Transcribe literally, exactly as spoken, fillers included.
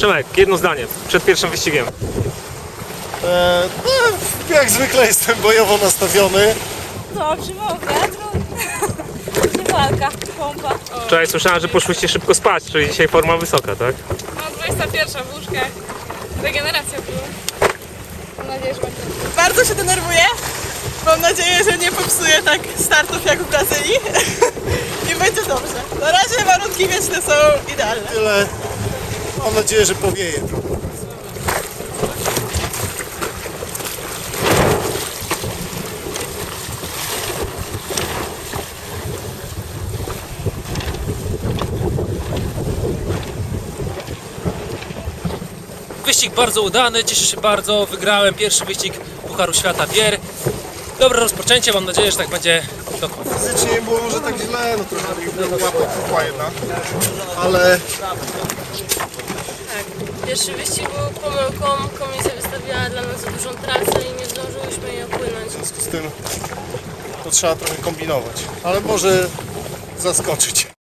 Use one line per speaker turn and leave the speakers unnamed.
Przemek, jedno zdanie, przed pierwszym wyścigiem.
E, no, jak zwykle jestem bojowo nastawiony.
Dobrze, mam wiatru. Walka, pompa.
Wczoraj słyszałem, że poszłyście szybko spać, czyli dzisiaj forma wysoka, tak?
No, dwudziesta pierwsza w łóżkach. Regeneracja była. Mam nadzieję, że będzie.
Bardzo się denerwuję. Mam nadzieję, że nie popsuję tak startów jak w Brazylii. I będzie dobrze. Na razie warunki wieczne są idealne.
Tyle. Mam nadzieję, że powieje trochę.
Wyścig bardzo udany, cieszę się bardzo, wygrałem pierwszy wyścig Pucharu Świata Bier. Dobre rozpoczęcie, mam nadzieję, że tak będzie do końca.
Fizycznie nie było może tak źle, no trochę była łapa jedna. Ale
Pierwszy wyścig był pomyłką, komisja wystawiła dla nas za dużą trasę i nie zdążyłyśmy jej opłynąć.
w związku z tym to trzeba trochę kombinować. Ale może zaskoczyć.